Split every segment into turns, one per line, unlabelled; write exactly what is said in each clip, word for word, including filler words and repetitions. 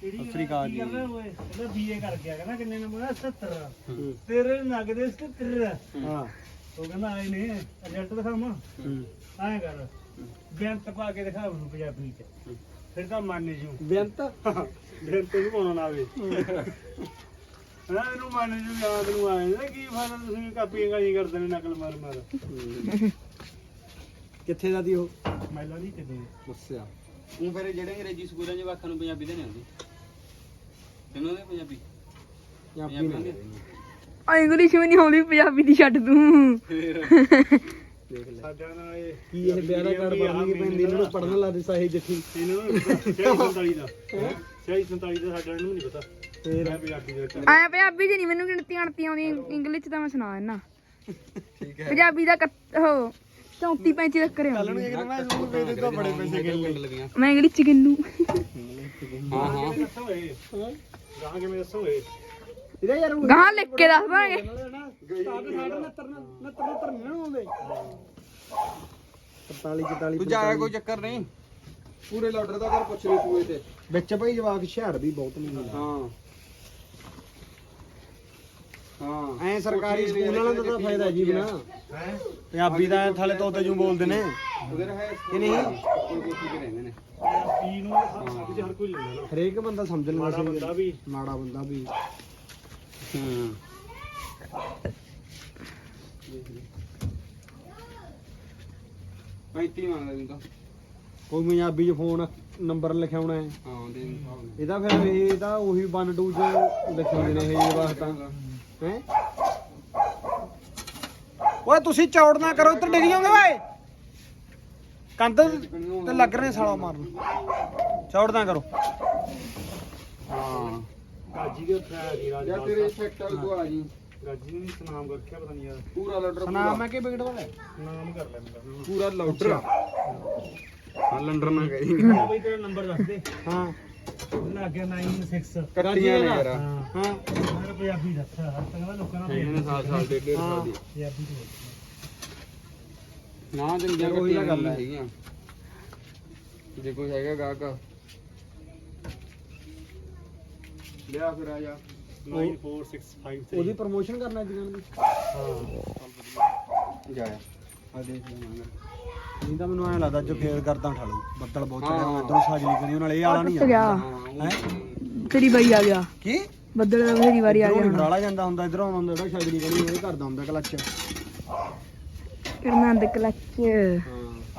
ਸਤਿ ਅਕਾਲ ਜੀ
ਇਹਦਾ ਬੀਏ ਕਰ ਗਿਆ ਕਹਿੰਦਾ ਕਿੰਨੇ ਨੰਬਰ ਸੱਤਰ ਤੇਰੇ ਨਗਦੇ ਸੱਤਰ ਹਾਂ ਉਹ ਕਹਿੰਦਾ ਆਏ ਨੇ ਰਿਜ਼ਲਟ ਦਿਖਾਵਾਂ ਐਂ ਕਰ ਬੇਅੰਤ ਪਾ ਕੇ ਦਿਖਾ ਉਹਨੂੰ ਪੰਜਾਬੀ ਚ ਫਿਰ ਤਾਂ ਮੰਨ ਜੂ
ਬੇਅੰਤ
ਬੇਅੰਤ ਨੂੰ ਪਾਉਣਾ ਨਾ ਆਵੇ ਹਾਂ ਇਹਨੂੰ ਮੰਨ ਜੂ ਯਾਦ ਨੂੰ ਆਏ ਨਾ ਕੀ ਫਾਇਦਾ ਤੁਸੀਂ ਕਾਪੀਆਂ ਗਾਲੀ ਕਰਦੇ ਨੇ ਨਕਲ ਮਾਰ ਮਾਰ
ਕਿੱਥੇ ਦਾ ਦੀ ਉਹ
ਮੈਲਾ ਨਹੀਂ ਕਿਤੇ
ਦੱਸਿਆ
ਉਹ ਫਿਰ ਜਿਹੜੇ ਅੰਗਰੇਜ਼ੀ ਸਕੂਲਾਂ 'ਚ ਵਾਕਾਂ ਨੂੰ ਪੰਜਾਬੀ ਦੇ ਨਹੀਂ ਆਉਂਦੀ ਤੈਨੂੰ ਦੇ ਪੰਜਾਬੀ
ਪੰਜਾਬੀ ਨਹੀਂ
ਆ ਇੰਗਲਿਸ਼ ਵੀ ਨਹੀਂ ਆਉਂਦੀ ਪੰਜਾਬੀ ਦੀ ਛੱਡ ਤੂੰ
ਦੇਖ ਲੈ
ਸਾਡਾ ਨਾਲ ਇਹ
ਕੀ ਇਹ ਵਿਆਹ ਦਾ ਕਾਰਡ ਬਣਨੀ ਪੈਂਦੀ ਇਹਨਾਂ ਨੂੰ ਪੜਨ ਲਾ ਦੇ ਸਾਹੀ ਜੱਫੀ
ਇਹਨਾਂ ਨੂੰ ਛੇ ਸੰਤਾਲੀ ਦਾ ਛੇ ਸੰਤਾਲੀ ਦਾ ਸਾਡਾ ਨੂੰ ਨਹੀਂ ਪਤਾ
ਫੇਰ
ਮੈਂ ਪੰਜਾਬੀ ਦੇ ਵਿੱਚ
ਆਇਆ ਪੰਜਾਬੀ ਚ ਨਹੀਂ ਮੈਨੂੰ ਗਿਣਤੀ ਅਣਤੀ ਆਉਂਦੀ ਇੰਗਲਿਸ਼ ਚ ਤਾਂ ਮੈਂ ਸੁਣਾ ਦਿੰਨਾ
ਠੀਕ ਹੈ
ਪੰਜਾਬੀ ਦਾ ਕੱਟ- ਉਹ ਚੌਂਤੀ ਪੈਂਤੀ ਤੱਕ ਕਰਿਆ
ਕੱਲ ਨੂੰ ਇੱਕ ਦਿਨ ਮੈਂ ਸਕੂਲ ਭੇਜ ਦਿੱਤਾ ਬੜੇ ਪੈਸੇ ਗਿਣ ਲੈ
ਲੱਗੀਆਂ
ਮੈਂ ਇੰਗਲਿਸ਼ ਚ ਗਿਣੂ
ਹਾਂ ਹਾਂ
ਦੱਸੋ ਇਹ ਗਾਂ ਕਿਵੇਂ ਦੱਸੋ ਇਹ
ਇਹਦਾ ਯਾਰ
ਗਾਂ ਲਿਖ ਕੇ ਦੱਸ ਦਾਂਗੇ
ਤਰਤਾਲੀ ਚੁਤਾਲੀ
ਤੂੰ ਜਾਇਆ ਕੋਈ ਚੱਕਰ ਨਹੀਂ ਪੂਰੇ ਲਾਡਰ ਦਾ ਕਰ ਪੁੱਛ ਲਈ ਤੂੰ ਇਹ ਤੇ
ਵਿੱਚ ਭਾਈ ਜਵਾਕ ਹੁਸ਼ਿਆਰ ਵੀ ਬਹੁਤ ਨਹੀਂ
ਹਾਂ ਹਾਂ
ਐ ਸਰਕਾਰੀ ਸਕੂਲ ਵਾਲਿਆਂ ਦਾ ਤਾਂ ਫਾਇਦਾ ਜੀ ਬਿਨਾ
ਹੈ
ਪੰਜਾਬੀ ਦਾ ਥਾਲੇ ਤੋਤੇ ਜੂ ਬੋਲਦੇ ਨੇ
ਉਧਰ ਹੈ
ਕਿ ਨਹੀਂ
ਕੋਈ ਕੋਸ਼ਿਸ਼ ਕਰ ਰਹਿੰਦੇ ਨੇ
ਪੀ ਨੂੰ ਸਭ ਹਰ ਕੋਈ ਲੈਂਦਾ ਨਾ
ਹਰੇਕ ਬੰਦਾ ਸਮਝਣ
ਮਾੜਾ
ਵਾਸਤੇ
ਬੰਦਾ ਵੀ
ਮਾੜਾ ਬੰਦਾ ਵੀ
ਹੂੰ ਪੈਂਤੀ ਮੰਗਦਾ ਤੂੰ ਤਾਂ
ਕੋਈ ਪੰਜਾਬੀ ਚ ਫੋਨ ਨੰਬਰ ਲਿਖਾਉਣਾ ਹੈ
ਹਾਂ ਦੇ ਹਿਸਾਬ ਨਾਲ
ਇਹਦਾ ਫਿਰ ਇਹ ਤਾਂ ਉਹੀ ਇੱਕ ਦੋ ਚ ਲਿਖਾਉਂਦੇ ਨੇ ਇਹ ਵਾਸਤਾ ਹੈ ਓਏ ਤੁਸੀਂ ਚੌੜ ਨਾ ਕਰੋ ਇੱਧਰ ਡਿੱਗ ਜਾਓਗੇ ਓਏ ਕੰਧ ਤੇ ਲੱਗ ਰਹੇ ਸਾਲਾ ਮਾਰਨ ਚੌੜ ਨਾ ਕਰੋ
ਹਾਂ
ਗਾਜੀ ਦੇ ਉੱਥੇ ਆ ਗਈ ਰਾਜ
ਜਾਂ ਤੇਰੇ ਸੈਕਟਰ ਤੋਂ ਆ ਜੀ
ਗਾਜੀ ਨੇ ਨਾਮ ਰੱਖਿਆ ਪਤਾ ਨਹੀਂ ਯਾਰ
ਪੂਰਾ ਲਾਡਰ
ਨਾਮ ਹੈ ਕਿ ਵਿਕਟ ਵਾਲਾ
ਨਾਮ ਕਰ ਲੈਂਦਾ
ਪੂਰਾ ਲਾਡਰ ਹਾਂ ਲੰਡਰ ਨਾ ਗਈ
ਬਈ ਤੇਰਾ ਨੰਬਰ ਦੱਸ ਦੇ
ਹਾਂ
ਉਹਨਾਂ ਅੱਗੇ ਨੌ ਛੇ
ਕੱਟੀਆਂ ਨੇ ਯਾਰ
ਹਾਂ
ਹਾਂ
ਮੈਂ ਪੰਜਾਬੀ ਦੱਸ ਹਰ ਤੰਗਾ ਲੋਕਾਂ ਨਾਲ
ਇਹਨੇ ਸਾਲ ਸਾਲ ਡੇਢ ਡੇਢ ਸਾਲ ਦੀ
ਪੰਜਾਬੀ ਤੋਂ
ਨਾ ਦਿੰਦੀਆਂ
ਉਹੀ ਤਾਂ
ਕੱਟੀਆਂ
ਗੱਲ ਹੈ।
ਹੈਗੀਆਂ ਜੇ ਕੋਈ ਹੈਗਾ ਗਾਹਕ ਲਿਆ ਫਿਰ ਆ ਜਾ
ਨੌ ਚਾਰ ਛੇ ਪੰਜ ਤਿੰਨ
ਉਹਦੀ ਪ੍ਰਮੋਸ਼ਨ ਕਰਨਾ ਦੁਕਾਨ ਦੀ
ਹਾਂ
ਜਾਇਆ ਆ ਦੇਖ ਲੈ ਮੰਗ
ਨਹੀਂ ਤਾਂ ਮੈਨੂੰ ਐਂ ਲੱਗਦਾ ਜੋ ਫੇਰ ਕਰਦਾ ਠਾਲੂ ਬੱਦਲ ਬਹੁਤ ਚੜਿਆ
ਹਾਂ।
ਹੋਇਆ ਇਧਰੋਂ ਸਾਜਲੀ ਕਰੀ ਉਹਨਾਂ ਨਾਲ ਇਹ ਆਲਾ ਨਹੀਂ
ਟੁੱਟ ਗਿਆ
ਹੈ
ਤੇਰੀ ਬਾਈ ਆ ਗਿਆ
ਕੀ
ਬੱਦਲ ਦਾ ਮੇਰੀ ਵਾਰੀ ਆ
ਇਧਰੋਂ
ਗਿਆ
ਨਹੀਂ ਡਰਾਲਾ ਜਾਂਦਾ ਹੁੰਦਾ ਇਧਰੋਂ ਆਉਂਦਾ ਜਿਹੜਾ ਸਾਜਲੀ ਕਰੀ ਉਹ ਕਰਦਾ ਹੁੰਦਾ ਕਲੱਚ
ਕਿਰਨਾਂ ਦੇ ਕਲੱਚ
ਹਾਂ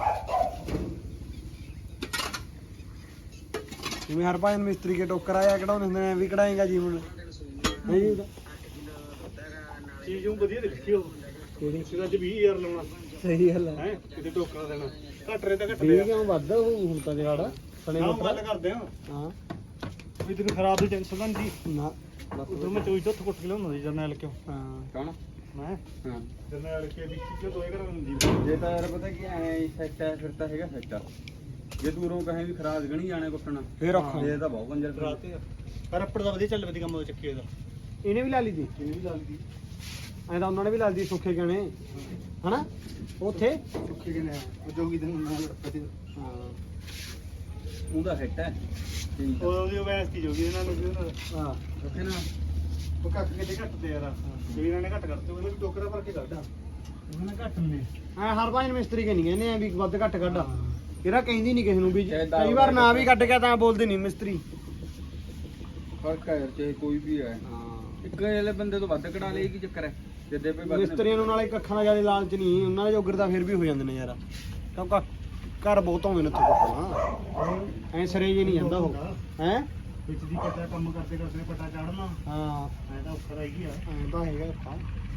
ਜਿਵੇਂ ਹਰ ਭਾਈ ਮਿਸਤਰੀ ਕੇ ਟੋਕਰ ਆਇਆ ਕਢਾਉਂਦੇ ਹੁੰਦੇ ਨੇ ਵੀ ਕਢਾਏਗਾ ਜੀ ਹੁਣ ਨਹੀਂ ਜੀ ਉਹਦਾ
ਚੀਜ਼ ਨੂੰ ਵਧੀਆ ਦੇਖੀ ਉਹ
ਕਿਹੜੀ
ਸਿਰਾਂ ਚ ਵੀਹ ਹਜ਼ਾਰ ਲਾਉਣਾ
ਸਹੀ ਗੱਲ ਹੈ
ਹੈ ਕਿਤੇ ਟੋਕਰਾ ਦੇਣਾ ਘੱਟ ਰੇ ਤਾਂ ਘੱਟ
ਵੀ
ਦੇ
ਕਿਉਂ ਵੱਧ ਉਹ ਹੁਣ ਤਾਂ ਜਗਾੜਾ ਸਣੇ
ਨਾ
ਮੋਟਰ
ਗੱਲ ਕਰਦੇ ਆ
ਹਾਂ
ਵੀ ਤੈਨੂੰ ਖਰਾਬ ਦੀ ਟੈਨਸ਼ਨ ਤਾਂ ਨਹੀਂ ਸੀ
ਨਾ
ਉਧਰ ਮੈਂ ਚੋਈ ਤੋਂ ਕੁੱਟ ਕੇ ਲਿਆਉਂਦਾ ਸੀ ਜਰਨੈਲ ਕਿਉਂ
ਹਾਂ
ਕੌਣ
ਮੈਂ
ਹਾਂ
ਜਰਨੈਲ ਕੇ ਵਿੱਚ ਕਿਉਂ ਦੋਏ ਘਰਾਂ ਨੂੰ ਜੀ
ਜੇ ਤਾਂ ਯਾਰ ਪਤਾ ਕੀ ਐ ਸੈੱਟ ਹੈ ਫਿਰ ਤਾਂ ਹੈਗਾ ਸੈੱਟ ਜੇ ਦੂਰੋਂ ਕਹੇ ਵੀ ਖਰਾਜ ਗਣੀ ਜਾਣੇ ਕੁੱਟਣਾ
ਫੇਰ ਔਖਾ
ਇਹ ਤਾਂ ਬਹੁਤ ਕੰਜਰ
ਰਾਤੇ ਪਰ ਅੱਪੜ ਦਾ ਵਧੀਆ ਚੱਲ ਵਧੀਆ ਕੰਮ ਉਹ ਚੱਕੀ ਇਹਦਾ
ਇਹਨੇ ਵੀ ਲਾ ਲਈ ਦੀ
ਇਹਨੇ ਵੀ ਲਾ ਲਈ
ਐਂ ਤਾਂ ਉਹਨਾਂ ਨੇ ਵੀ ਲਾ ਲਈ ਦੀ ਸੁੱਖੇ ਗਾਣੇ ਹਨਾ ਉੱਥੇ
ਸੁੱਖੀ ਕਿਨੇ ਉਹ ਜੋਗੀ ਦੇ ਨਾਲ
ਹਾਂ
ਉਹਦਾ ਸੈੱਟ ਹੈ ਠੀਕ
ਉਹ ਉਹਦੀ ਵੈਸ ਕੀ ਜੋਗੀ ਇਹਨਾਂ ਨੂੰ ਵੀ
ਹਾਂ
ਰੱਖੇ ਨਾ
ਉਹ ਕੱਟ ਕਿਤੇ ਘੱਟ ਤੇ ਯਾਰ ਜੇ ਇਹਨਾਂ ਨੇ ਘੱਟ ਕਰਤੇ ਉਹਨੇ ਵੀ ਟੋਕਰਾ ਭਰ ਕੇ ਕੱਢਾ ਉਹਨਾਂ ਨੇ ਘੱਟ ਨੇ
ਐ ਹਰ ਭਾਈ ਮਿਸਤਰੀ ਕੇ ਨਹੀਂ ਕਹਿੰਦੇ ਐ ਵੀ ਵੱਧ ਘੱਟ ਕੱਢ ਇਹਦਾ ਕਹਿੰਦੀ ਨਹੀਂ ਕਿਸੇ ਨੂੰ ਵੀ
ਚਾਹੇ ਦਾਲ
ਕਈ ਵਾਰ ਨਾ ਵੀ ਕੱਢ ਗਿਆ ਤਾਂ ਬੋਲਦੇ ਨਹੀਂ ਮਿਸਤਰੀ
ਫਰਕ ਹੈ ਯਾਰ ਚਾਹੇ ਕੋਈ ਵੀ ਹੈ
ਹਾਂ
ਇੱਕ ਵਾਲੇ ਬੰਦੇ ਤੋਂ ਵੱਧ ਕਢਾ ਲਈ ਕੀ ਚੱਕਰ ਹੈ ਜਿੱਦੇ ਪੇ ਵੱਧ
ਮਿਸਤਰੀਆਂ ਨੂੰ ਨਾਲੇ ਅੱਖਾਂ ਦਾ ਜਿਆਦਾ ਲਾਲਚ ਨਹੀਂ ਉਹਨਾਂ ਦੇ ਜੋਗਰ ਤਾਂ ਫਿਰ ਵੀ ਹੋ ਜਾਂਦੇ ਨੇ ਯਾਰ ਕਿਉਂਕਿ ਘਰ ਬਹੁਤ ਆਉਂਦੇ ਨੇ ਉੱਥੇ ਕੋਲ ਐ ਸਰੇ ਜੇ ਨਹੀਂ ਜਾਂਦਾ ਉਹ ਹੈ
ਵਿੱਚ ਦੀ ਪੱਟਾ ਕੰਮ ਕਰਦੇ ਕਰਦੇ ਪੱਟਾ ਚਾੜਨਾ
ਹਾਂ
ਐ ਤਾਂ ਔਖਾ ਰਹਿ ਗਿਆ
ਐਂ ਤਾਂ ਹੈਗਾ ਔਖਾ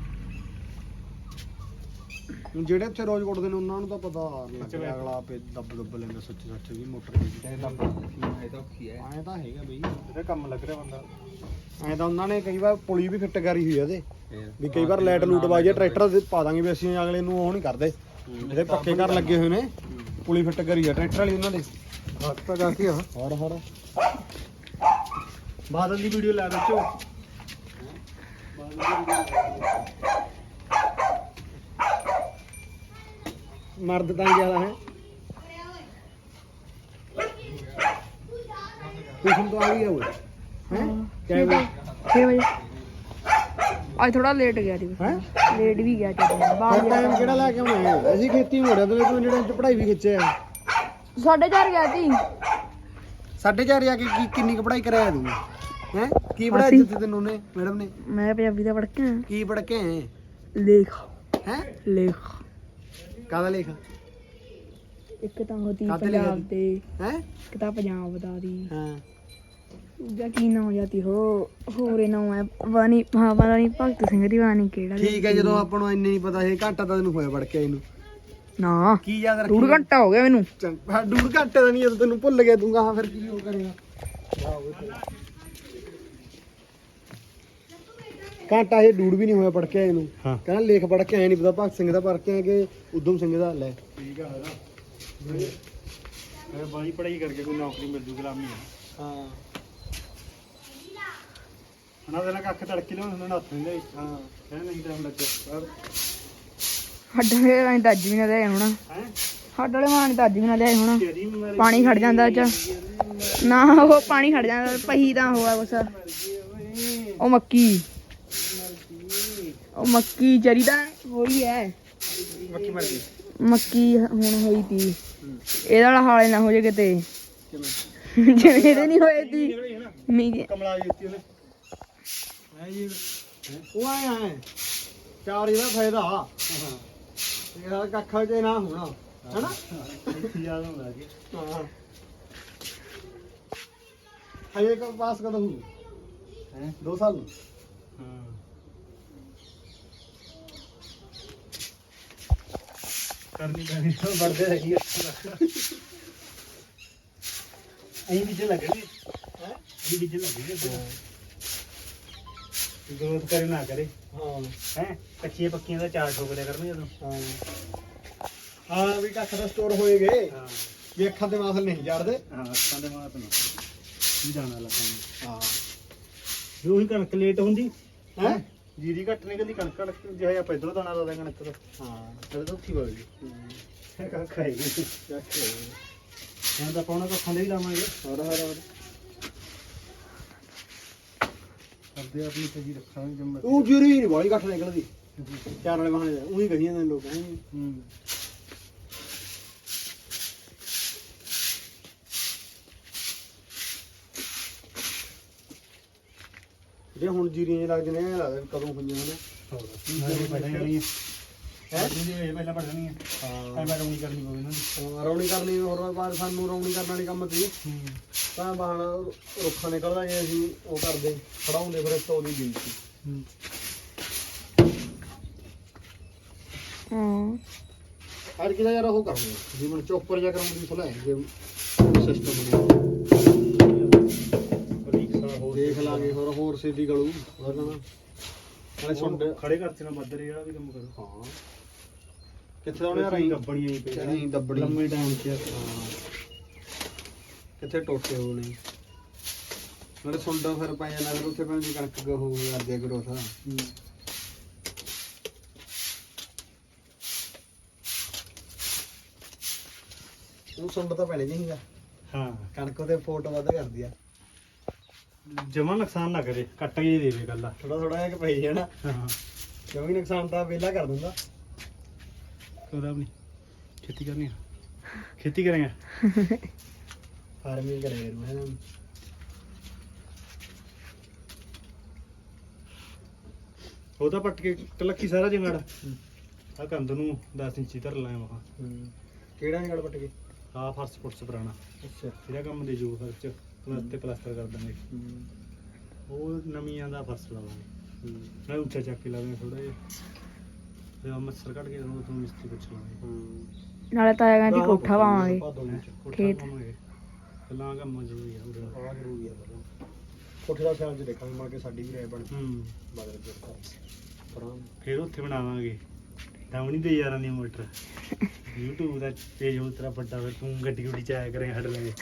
ਹੁਣ ਜਿਹੜੇ ਉੱਥੇ ਰੋਜ਼ ਕੁੱਟਦੇ ਨੇ ਉਹਨਾਂ ਨੂੰ ਤਾਂ ਪਤਾ ਲੱਗਦਾ ਅਗਲਾ ਆਪੇ ਦੱਬ ਦੱਬ ਲੈਂਦਾ ਸੱਚ ਸੱਚ ਵੀ ਮੋਟਰ ਦੀ
ਇਹ ਤਾਂ ਇਹ ਤਾਂ ਔਖੀ ਹੈ
ਐਂ ਤਾਂ ਹੈਗਾ ਬਈ
ਇਹਦਾ ਕੰਮ ਲੱਗ ਰਿਹਾ ਬੰਦਾ
ਐਂ ਤਾਂ ਉਹਨਾਂ ਨੇ ਕਈ ਵਾਰ ਪੁਲੀ ਵੀ ਫਿੱਟ ਕਰੀ ਹੋਈ ਆ ਇਹਦੇ
ਫੇਰ
ਵੀ ਕਈ ਵਾਰ ਲਾਈਟ ਲੂਟ ਵਾਜੇ ਟਰੈਕਟਰ ਦੇ ਪਾ ਦਾਂਗੇ ਵੀ ਅਸੀਂ ਅਗਲੇ ਨੂੰ ਉਹ ਨਹੀਂ ਕਰਦੇ ਇਹਦੇ ਪੱਕੇ ਘਰ ਲੱਗੇ ਹੋਏ ਨੇ ਪੁਲੀ ਫਿੱਟ ਕਰੀ ਆ ਟਰੈਕਟਰ ਵਾਲੀ ਉਹਨਾਂ ਦੇ
ਹੱਥ ਤਾਂ ਜਾ ਕੇ ਆ
ਹੋਰ ਹੋਰ
ਬਾਦਲ ਦੀ ਵੀਡੀਓ ਲਾ ਵਿੱਚੋਂ
ਮਰਦ ਤਾਂ ਜ਼ਿਆਦਾ ਹੈ ਟਿਊਸ਼ਨ ਤੋਂ ਆ ਵੀ ਗਿਆ ਉਹ ਹੈ
ਛੇ ਵਜੇ ਛੇ ਵਜੇ ਅੱਜ ਥੋੜਾ ਲੇਟ ਗਿਆ ਸੀ
ਹੈ
ਲੇਟ ਵੀ ਗਿਆ ਚੱਲ ਬਾਹਰ
ਟਾਈਮ ਕਿਹੜਾ ਲੈ ਕੇ ਆਉਣਾ ਹੈ ਅਸੀਂ ਖੇਤੀ ਹੋ ਰਿਹਾ ਤੇ ਤੂੰ ਜਿਹੜੇ ਚ ਪੜ੍ਹਾਈ ਵੀ ਖਿੱਚਿਆ
ਸਾਢੇ ਚਾਰ ਗਿਆ ਸੀ
ਸਾਢੇ ਚਾਰ ਜਾ ਕੇ ਕੀ ਕਿੰਨੀ ਕੁ ਪੜ੍ਹਾਈ ਕਰਾਇਆ ਤੂੰ ਹੈ ਕੀ ਪੜ੍ਹਾਇਆ ਦਿੱਤੀ ਤੈਨੂੰ ਨੇ ਮੈਡਮ ਨੇ
ਮੈਂ ਪੰਜਾਬੀ ਦਾ ਪੜ੍ਹ ਕੇ ਆਇਆ
ਕੀ ਪੜ੍ਹ ਕੇ ਆਏ
ਲੇਖ
ਹੈ
ਲੇਖ
ਕਾਹਦਾ ਲੇਖ
ਇੱਕ ਤਾਂ ਹੋਤੀ
ਕਾਹਤੇ
ਪੰਜਾਬ
ਲਿਖਿਆ
ਦੇ
ਹੈ
ਇੱਕ ਤਾਂ ਪੰਜਾਬ ਦਾ ਦੀ
ਹਾਂ
ਦੂਜਾ ਕੀ ਨਾਮ ਜਾਂਦੀ ਹੋ ਹੋਰੇ ਨਾਮ ਹੈ ਵਾਨੀ ਹਾਂ ਵਾਨੀ ਭਗਤ ਸਿੰਘ ਦੀ ਵਾਨੀ ਕਿਹੜਾ
ਠੀਕ ਹੈ ਜਦੋਂ ਆਪਾਂ ਨੂੰ ਇੰਨੇ ਨਹੀਂ ਪਤਾ ਇਹ ਘੰਟਾ ਤਾਂ ਤੈਨੂੰ ਹੋਇਆ ਪੜ ਕੇ ਇਹਨੂੰ
ਨਾ
ਕੀ ਯਾਦ ਰੱਖੀ
ਡੂਢ ਘੰਟਾ ਹੋ ਗਿਆ ਮੈਨੂੰ
ਚੰਗਾ ਡੂੜ ਘੰਟੇ ਦਾ ਨਹੀਂ ਜਦੋਂ ਤੈਨੂੰ ਭੁੱਲ ਗਿਆ ਤੂੰ ਕਹਾਂ ਫਿਰ ਕੀ ਹੋ ਕਰੇਗਾ ਘੰਟਾ ਇਹ ਡੂੜ ਵੀ ਨਹੀਂ ਹੋਇਆ ਪੜ ਕੇ ਆਏ ਨੂੰ
ਹਾਂ
ਕਹਿੰਦਾ ਲੇਖ ਪੜ ਕੇ ਆਏ ਨਹੀਂ ਪਤਾ ਭਗਤ ਸਿੰਘ ਦਾ ਪੜ ਕੇ ਆਏ ਕਿ ਉਦਮ ਸਿੰਘ ਦਾ ਲੈ
ਠੀਕ ਆ ਇਹ ਬਾਈ ਪੜਾਈ ਕਰਕੇ ਕੋਈ ਨੌਕਰੀ ਮਿਲ ਜੂ ਗੁਲਾਮੀ ਆ
ਹਾਂ
ਉਹਨਾਂ ਦੇ ਨਾਲ ਕੱਖ ਤੜਕੇ ਲਿਆਉਂਦੇ ਉਹਨਾਂ ਹੱਥ ਨਹੀਂ
ਹਾਂ
ਕਹਿੰਦੇ ਨਹੀਂ ਟਾਈਮ ਲੱਗਿਆ
ਸਾਡੇ ਵਾਲੇ ਤਾਂ ਅੱਜ ਵੀ ਨਾ ਲਿਆਏ ਹੋਣਾ
ਹੈ
ਸਾਡੇ ਵਾਲੇ ਮਾਂ ਨੇ ਤਾਂ ਅੱਜ ਵੀ ਨਾ ਲਿਆਏ ਹੋਣਾ
ਤੇਰੀ ਬਿਮਾਰੀ
ਪਾਣੀ ਖੜ ਜਾਂਦਾ ਚ ਨਾ ਉਹ ਪਾਣੀ ਖੜ ਜਾਂਦਾ ਪਹੀ ਤਾਂ ਹੋਆ ਬਸ ਉਹ ਮੱਕੀ ਉਹ ਮੱਕੀ ਚਰੀ ਤਾਂ ਹੋਈ ਐ
ਮੱਕੀ ਮਰ ਗਈ
ਮੱਕੀ ਹੁਣ ਹੋਈ ਤੀ ਇਹਦਾ ਵਾਲਾ ਹਾਲੇ ਨਾ ਹੋ ਜੇ ਕਿਤੇ
ਕਿਵੇਂ
ਜਿਵੇਂ ਇਹਦੇ ਨਹੀਂ ਹੋਏ ਤੀ ਮੀ
ਕਮਲਾ ਜੁੱਤੀ ਉਹਨੇ
ਹੈ ਜੀ ਉਹ ਆਇਆ ਹੈ ਚਾਰ ਇਹਦਾ ਫਾਇਦਾ ਹਾਂ ਇਹਦਾ ਕੱਖਾ ਜੇ ਨਾ ਹੋਣਾ ਹੈਨਾ
ਯਾਦ ਹੁੰਦਾ ਜੀ
ਹਾਂ ਹਜੇ ਕ ਪਾਸ ਕਦੋਂ ਹੋਊ
ਹੈ
ਦੋ ਸਾਲ ਨੂੰ
ਹਾਂ ਕਰਨੀ ਪੈਣੀ ਤਾਂ ਵੜਦੇ ਰਹੀ ਅਹੀਂ ਵਿੱਚ ਲੱਗਣੀ ਹੈ ਇਹ ਵਿੱਚ ਲੱਗਣੀ ਗਰੋਥ ਕਰੇ ਨਾ ਕਰੇ
ਹਾਂ
ਹੈ ਕੱਚੀਆਂ ਪੱਕੀਆਂ ਦਾ ਚਾਰ ਠੋਕਰਿਆ ਕਰਨਗੇ ਜਦੋਂ
ਹਾਂ ਹਾਂ ਵੀ ਕੱਖ ਦਾ ਸਟੋਰ ਹੋਏ ਗਏ
ਹਾਂ
ਵੀ ਅੱਖਾਂ ਤੇ ਮਾਸਲ ਨਹੀਂ ਜੜਦੇ
ਹਾਂ ਅੱਖਾਂ ਦੇ ਮਾਤ ਨਾ ਕੀ ਜਾਣਾ ਲੱਗਾ
ਹਾਂ
ਜੋ ਹੀ ਕਣਕ ਲੇਟ ਹੁੰਦੀ
ਹੈ
ਜੀਰੀ ਘੱਟ ਨਿਕਲਦੀ ਕਣਕ ਕਣਕ ਜਿਹੜਾ ਆਪਾਂ ਇਧਰੋਂ ਦਾਣਾ ਲਾ ਦਾਂ ਕਣਕ ਦਾ
ਹਾਂ ਤੇਰੇ ਤਾਂ ਉੱਥੀ ਵਗ ਗਈ
ਕੱਖ ਖਾਏਗੀ
ਚੱਕ
ਹੁਣ ਤਾਂ ਪਾਉਣਾ ਕੱਖਾਂ ਦੇ ਵੀ ਲਾਵਾਂਗੇ
ਹੋਰ ਹੋਰ ਹੋਰ
ਕਰਦੇ ਆਪਣੀ ਸਜੀ ਰੱਖਾਂਗੇ ਜੰਮ
ਉਹ ਜੁਰੀ ਨਹੀਂ ਬਾਲੀ ਘੱਟ ਨਿਕਲਦੀ ਚਾਰ ਵਾਲੇ ਬਹਾਨੇ ਉਹੀ ਕਹੀ ਜਾਂਦੇ ਨੇ ਲੋਕ ਹੈਂ।
ਹੂੰ
ਜੇ ਹੁਣ ਜੀਰੀਆਂ ਜਿਹੇ ਲੱਗਦੇ ਨੇ ਐਂ ਲੱਗਦਾ ਵੀ ਕਦੋਂ ਹੋਈਆਂ ਨੇ
ਹੋਰ ਪਹਿਲਾਂ ਜਾਣੀ ਹੈ ਜੀ ਪਹਿਲਾਂ ਪੜ ਜਾਣੀ ਹੈ
ਹਾਂ
ਐ ਮੈਂ ਰੌਣੀ ਕਰਨੀ ਪਊ ਇਹਨਾਂ ਦੀ
ਹਾਂ, ਰੌਣੀ ਕਰਨੀ ਹੋਰ ਬਾਅਦ ਸਾਨੂੰ ਰੌਣੀ ਕਰਨ ਵਾਲੀ ਕੰਮ ਤੀ
ਹੂੰ
ਤਾਂ ਬਾਹਣ ਰੁੱਖਾਂ ਨਿਕਲਦਾ ਜੇ ਅਸੀਂ ਉਹ ਕਰਦੇ ਖੜਾਉਂਦੇ ਫਿਰ ਤੋੜੀ ਗਈ ਸੀ
ਹੂੰ
ਹਾਂ
ਅੱਜ ਕਿਹਦਾ ਯਾਰ ਉਹ ਕਰਾਂਗੇ ਜਿਵੇਂ ਚੋਪਰ ਜਾ ਕਰਾਉਣ ਦੀ ਸਲਾਹ ਹੈ ਜੇ ਸਿਸਟਮ ਬਣਿਆ
ਹੋਰ
ਦੇਖ ਲਾਂਗੇ ਹੋਰ ਹੋਰ ਸਿੱਧੀ ਗਲੂ ਹੋਰ ਨਾ ਨਾਲੇ ਸੁੰਡ
ਖੜੇ ਕਰਤੇ ਨਾ ਮੱਦਰ ਜਿਹੜਾ ਵੀ ਕੰਮ ਕਰੋ
ਹਾਂ ਕਿੱਥੇ ਆਉਣੇ ਯਾਰ ਅਸੀਂ
ਗੱਬਣੀਆਂ ਹੀ ਪਈਆਂ
ਅਸੀਂ ਦੱਬੜੀ
ਲੰਮੇ ਟਾਈਮ 'ਚ
ਹਾਂ ਕਿੱਥੇ ਟੋਟੇ ਹੋ ਨਹੀਂ ਨਾਲੇ ਸੁੰਡ ਫਿਰ ਪੈ ਜਾਣਾ ਫਿਰ ਉੱਥੇ ਪੈਂਦੀ ਕਣਕ ਹੋ ਕਰਦੇ ਗਰੋਥ
ਹੂੰ
ਉਹ ਸੁੰਡ ਤਾਂ ਪੈਣੇ ਨਹੀਂਗਾ
ਹਾਂ
ਕਣਕ ਉਹਦੇ ਫੋਟ ਵੱਧ ਕਰਦੀ ਆ
ਜਮਾ ਨੁਕਸਾਨ ਨਾ ਕਰੇ ਕੱਟ ਕੇ ਦੇਵੇ ਗੱਲਾਂ
ਥੋੜਾ ਥੋੜਾ ਜਿਹਾ ਕਿ ਪਈ ਜਾਣਾ
ਹਾਂ
ਕਿਉਂਕਿ ਨੁਕਸਾਨ ਤਾਂ ਵਿਹਲਾ ਕਰ ਦਿੰਦਾ
ਕੋਦਾ ਆਪਣੀ ਖੇਤੀ ਕਰਨੀ ਆ ਖੇਤੀ ਕਰਾਂਗੇ
ਫਾਰਮਿੰਗ ਕਰੇ ਰੂ ਹੈ
ਉਹ ਤਾਂ ਪੱਟ ਕੇ ਕਲੱਖੀ ਸਾਰਾ ਜੰਗੜ ਆ ਕੰਧ ਨੂੰ ਦਸ ਇੰਚੀ ਧਰ ਲਾਇਆ ਮਹਾ
ਕਿਹੜਾ ਨਿਕਲ ਪੱਟ ਕੇ
ਆ ਫਰਸ਼ ਫੁਰਸ਼ ਪੁਰਾਣਾ
ਅੱਛਾ
ਜਿਹੜਾ ਕੰਮ ਦੇ ਜੂ ਫਰਸ਼ ਪਲਸ ਤੇ ਪਲਾਸਟਰ ਕਰ ਦਾਂਗੇ ਉਹ ਨਵੀਆਂ ਦਾ ਫਰਸ਼ ਲਾਵਾਂਗੇ ਮੈਂ ਉੱਚਾ ਚੱਕ ਕੇ ਲਾਵਾਂਗੇ ਥੋੜਾ ਜਿਹਾ ਤੇ ਆ ਮੱਛਰ ਕੱਢ ਕੇ ਉਹਨੂੰ ਤੁਹਾਨੂੰ ਮਿਸਤਰੀ ਪੁੱਛ ਲਾਂਗੇ
ਨਾਲੇ ਤਾਂ ਕਹਿੰਦੀ ਕੋਠਾ ਪਾਵਾਂਗੇ ਖੇਤ।
ਪਹਿਲਾਂ ਕੰਮ ਜ਼ਰੂਰੀ ਆ ਉਹਦਾ
ਆ ਜ਼ਰੂਰੀ ਆ ਕੋਠੇ ਦਾ ਖਿਆਲ ਚ ਦੇਖਾਂਗੇ ਮਾਰ ਕੇ ਸਾਡੀ ਵੀ ਰਾਏ ਬਣ
ਹੂੰ
ਬਦਲ ਕੇ ਪਰਾਂ
ਫਿਰ ਉੱਥੇ ਬਣਾਵਾਂਗੇ ਡਾਉਣੀ ਤੇ ਯਾਰਾਂ ਦੀ ਮੋਟਰ YouTube ਦਾ ਪੇਜ ਹੁਣ ਤੇਰਾ ਵੱਡਾ ਫਿਰ ਤੂੰ ਗੱਡੀ ਗੁੱਡੀ ਚ ਆਇਆ ਕਰੇ ਹੱਡ ਲਗੇ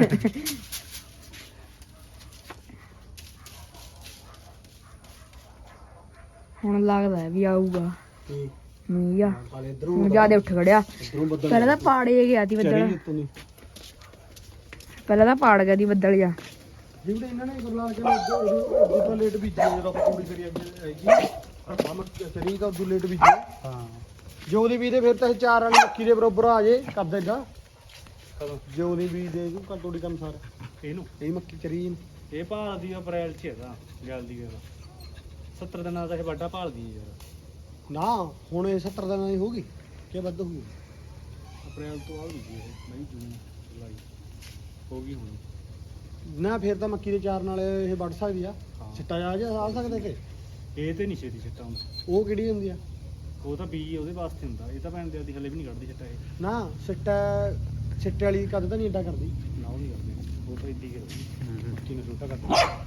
ਹੁਣ ਲੱਗਦਾ ਹੈ ਵੀ ਆਊਗਾ
ਕੀ
ਮੀਂਹ ਆ
ਹਾਲੇ ਇਧਰੋਂ
ਹੁਣ ਜਿਆਦਾ ਉੱਠ ਖੜਿਆ
ਇਧਰੋਂ ਬੱਦਲ
ਪਹਿਲਾਂ ਤਾਂ ਪਾੜੇ ਗਿਆ ਸੀ ਬੱਦਲ
ਚੜੀ ਉੱਤੋਂ ਨਹੀਂ
ਪਹਿਲਾਂ ਤਾਂ ਪਾੜ ਗਿਆ ਸੀ ਬੱਦਲ ਜਾ
ਜਿਹੜੇ ਇਹਨਾਂ ਨੇ ਗੁਰਲਾਲ ਕੇ ਉਦੋਂ ਤੋਂ ਲੇਟ ਬੀਜੀ ਜਦੋਂ ਆਪਾਂ ਕੁੜੀ ਕਰੀ ਅੱਗੇ ਹੈਗੀ ਆਪਾਂ ਮੱਕੀ ਚਰੀ ਤਾਂ ਉਦੋਂ ਲੇਟ ਬੀਜੀ
ਹਾਂ
ਜੋ ਦੀ ਵੀ ਦੇ ਫਿਰ ਤਾਂ ਇਹ ਚਾਰ ਵਾਲੀ ਮੱਕੀ ਦੇ ਬਰੋਬਰ ਆ ਜੇ ਕਰ ਦੇਗਾ
ਕਦੋਂ
ਜੋ ਦੀ ਵੀ ਦੇ ਜੂ ਕਰ ਤੋੜੀ ਕੰਮ ਸਾਰਾ
ਇਹਨੂੰ
ਇਹ ਮੱਕੀ ਚਰੀ ਇਹਨੂੰ।
ਇਹ ਭਾਲਦੀ ਆ ਅਪ੍ਰੈਲ ਚ ਹੈਗਾ ਜਲਦੀ ਕਰ ਸੱਤਰ ਦਿਨਾਂ ਦਾ ਇਹ ਵੱਡਾ ਭਾਲਦੀ ਆ ਯਾਰ
ਨਾ ਹੁਣ ਇਹ ਸੱਤਰ ਦਿਨਾਂ ਦੀ ਹੋਊਗੀ ਕਿ ਵੱਧ ਹੋਊਗੀ
ਅਪ੍ਰੈਲ ਤੋਂ ਆ ਗਈ ਇਹ ਮਈ ਜੂਨ ਜੁਲਾਈ ਹੋ ਗਈ ਹੁਣ
ਨਾ ਫਿਰ ਤਾਂ ਮੱਕੀ ਦੇ ਚਾਰ ਨਾਲ ਇਹ ਵੱਢ ਸਕਦੀ ਆ
ਹਾਂ।
ਛਿੱਟਾ ਜਾ ਜਾ ਆ ਸਕਦਾ ਕਿ
ਇਹ ਤੇ ਨਹੀਂ ਛੇਤੀ ਛਿੱਟਾ ਹੁੰਦਾ
ਉਹ ਕਿਹੜੀ ਹੁੰਦੀ ਆ
ਉਹ ਤਾਂ ਬੀ ਉਹਦੇ ਵਾਸਤੇ ਹੁੰਦਾ ਇਹ ਤਾਂ ਭੈਣ ਦੇ ਆਦੀ ਹਲੇ ਵੀ ਨਹੀਂ ਕੱਢਦੀ ਛਿੱਟਾ ਇਹ
ਨਾ ਛਿੱਟਾ ਛਿੱਟੇ ਵਾਲੀ ਕਦ ਤਾਂ ਨਹੀਂ ਏਡਾ ਕਰਦੀ
ਨਾ ਉਹ ਨਹੀਂ ਕਰਦੇ ਉਹ ਤਾਂ ਇੱਦੀ ਕਰਦੀ
ਮੱਕੀ ਨੂੰ ਛੋਟਾ ਕਰਦੀ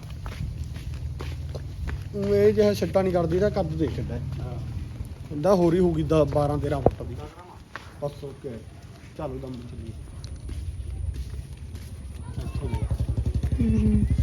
ਉਹ ਇਹ ਜਿਹੜਾ ਛਿੱਟਾ ਨਹੀਂ ਕਰਦੀ ਤਾਂ ਕੱਦ ਦੇਖ ਕਿੱਡਾ
ਹਾਂ
ਹੁੰਦਾ ਹੋਰ ਹੀ ਹੋਊਗੀ ਬਾਰਾਂ ਤੇਰਾਂ ਫੁੱਟ ਦੀ ਬਸ ਓਕੇ ਚੱਲ ਦਮ ਚੱਲੀਏ ਇੱਥੋਂ ਦੀ।
ਹੂੰ